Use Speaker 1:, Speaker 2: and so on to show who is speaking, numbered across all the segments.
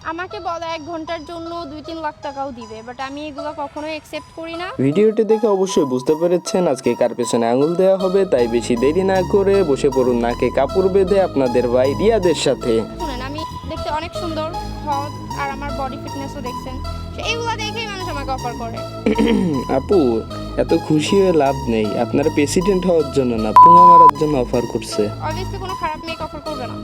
Speaker 1: আমাকে বলে 1 ঘন্টার জন্য 2-3 লাখ টাকাও দিবে, বাট আমি এগুলো কখনোই অ্যাকসেপ্ট করি না।
Speaker 2: ভিডিওটি দেখে অবশ্যই বুঝতে পেরেছেন আজকে কার পেছনে আঙুল দেওয়া হবে, তাই বেশি দেরি না করে বসে পড়ুন নাকে কাপড় বেঁধে আপনাদের ভাই রিয়াদের সাথে।
Speaker 1: শুনেন, আমি দেখতে অনেক সুন্দর, হট, আর আমার বডি ফিটনেসও দেখছেন, এইগুলো দেখেই মানুষ আমাকে অফার করে।
Speaker 2: আপু, এত খুশি হয়ে লাভ নেই, আপনারা প্রেসিডেন্ট হওয়ার জন্য না, পুঙা মারার জন্য অফার করছে।
Speaker 1: অবভিয়াসলি কোনো খারাপ মেয়ে অফার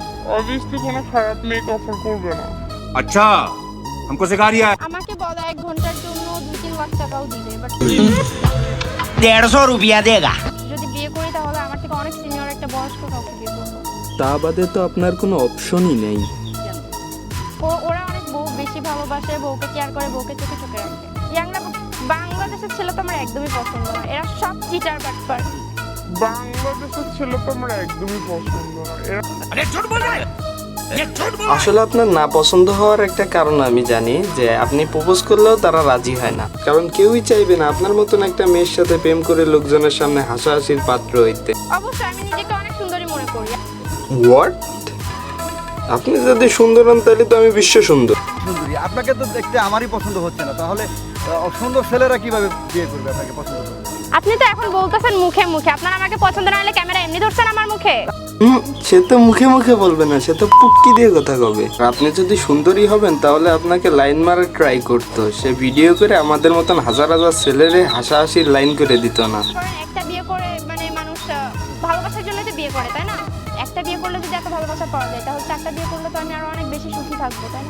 Speaker 1: করবে না।
Speaker 3: अच्छा हमको सिखा रिया है।
Speaker 1: আমাকে বলে 1 ঘন্টার জন্য 2-3 লাখ টাকাও দিবে, বাট
Speaker 4: 150 रुपया देगा।
Speaker 1: যদি বিয়ে করি তাহলে আমার থেকে অনেক সিনিয়র একটা বয়স্ক কাউকে বিয়ে করবো।
Speaker 2: তা বাদে তো আপনার কোনো অপশনই নেই।
Speaker 1: ওরা অনেক বেশি ভালোবাসে, বউকে কেয়ার করে, বউকে চোখে চোখে রাখে। ইয়াংরা বাংলাদেশের ছেলে তো আমার একদমই পছন্দ না, এরা সব চিটার বাটপার।
Speaker 5: বাংলাদেশের ছেলে তো আমার একদমই পছন্দ না।
Speaker 3: अरे झूठ बोल रहा है, ये झूठ बोल।
Speaker 2: আসলে আপনার না পছন্দ হওয়ার একটা কারণ আমি জানি, যে আপনি প্রপোজ করলেও তারা রাজি হয় না, কারণ কেউই চাইবে না আপনার মতন একটা মেয়ের সাথে প্রেম করে লোকজনের সামনে হাসাহাসির পাত্র হইতে।
Speaker 1: অবশ্যই আমি নিজেকে অনেক সুন্দরী মনে করি।
Speaker 2: হোয়াট? আপনি যদি সুন্দর হন তাহলে তো আমি বিশ্ব সুন্দর।
Speaker 6: সুন্দরী আপনাকে তো দেখতে আমারই পছন্দ হচ্ছে না, তাহলে সুন্দর ছেলেরা কিভাবে বিয়ে করবে আপনাকে পছন্দ করবে?
Speaker 1: আপনি তো এখন বলতেছেন মুখে মুখে, আপনার আমাকে পছন্দ না হলে ক্যামেরা এমনি ধরছেন আমার মুখে।
Speaker 2: সে তো মুখে মুখে বলবে না, সে তো পুটকি দিয়ে কথা কবে। আপনি যদি সুন্দরী হবেন তাহলে আপনাকে লাইন মারা ট্রাই করতো, সে ভিডিও করে আমাদের মতন হাজার হাজার ছেলেরে হাসাহাসির লাইন করে দিত না।
Speaker 1: কারণ একটা বিয়ে করে মানে মানুষ ভালোবাসার জন্য তো বিয়ে করে, তাই না? একটা বিয়ে করলে যদি এত ভালোবাসা পাওয়া যায়, তাহলে 4টা বিয়ে করলে তো আমি আরো অনেক বেশি সুখী থাকবো, তাই না?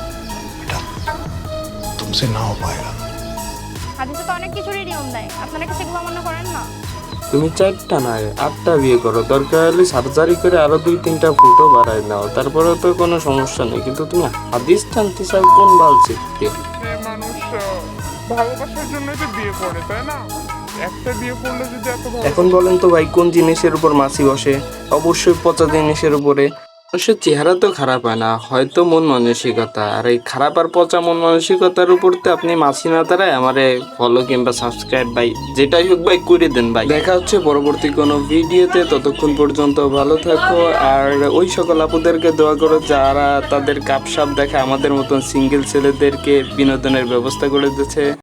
Speaker 7: तुमसे ना हो पाएगा।
Speaker 1: হাদিসে তো অনেক কিছুরই নিয়ম দেয়, আপনারা কি সেগুলো অমান্য করেন না?
Speaker 2: তুমি 4টা না 8টা বিয়ে করো, দরকার হলে সার্জারি করে আরো 2-3টা ফুটও বাড়ায় নাও, তারপরেও তো কোনো সমস্যা নেই। কিন্তু তুমি হাদিস টানতে চাও কোন বাল শিখতে?
Speaker 5: যে মানুষ ভালোবাসার জন্যই তো বিয়ে করে, তাই না? একটা বিয়ে করলে যদি এত
Speaker 2: এখন বলেন তো ভাই, কোন জিনিসের উপর মাছি বসে? অবশ্যই পচা জিনিসের উপরে। মানুষের চেহারা তো খারাপ হয় না, হয়তো মন মানসিকতা, আর এই খারাপ আর পচা মন মানসিকতার উপর তো আপনি মাছি না তারাই আমারে ফলো কিংবা সাবস্ক্রাইব ভাই যেটাই হোক ভাই করে দেন ভাই। দেখা হচ্ছে পরবর্তী কোনো ভিডিওতে, ততক্ষণ পর্যন্ত ভালো থাকো। আর ওই সকল আপুদেরকে দোয়া করো যারা তাদের কাপসাপ দেখে আমাদের মতন সিঙ্গেল ছেলেদেরকে বিনোদনের ব্যবস্থা করে দিচ্ছে।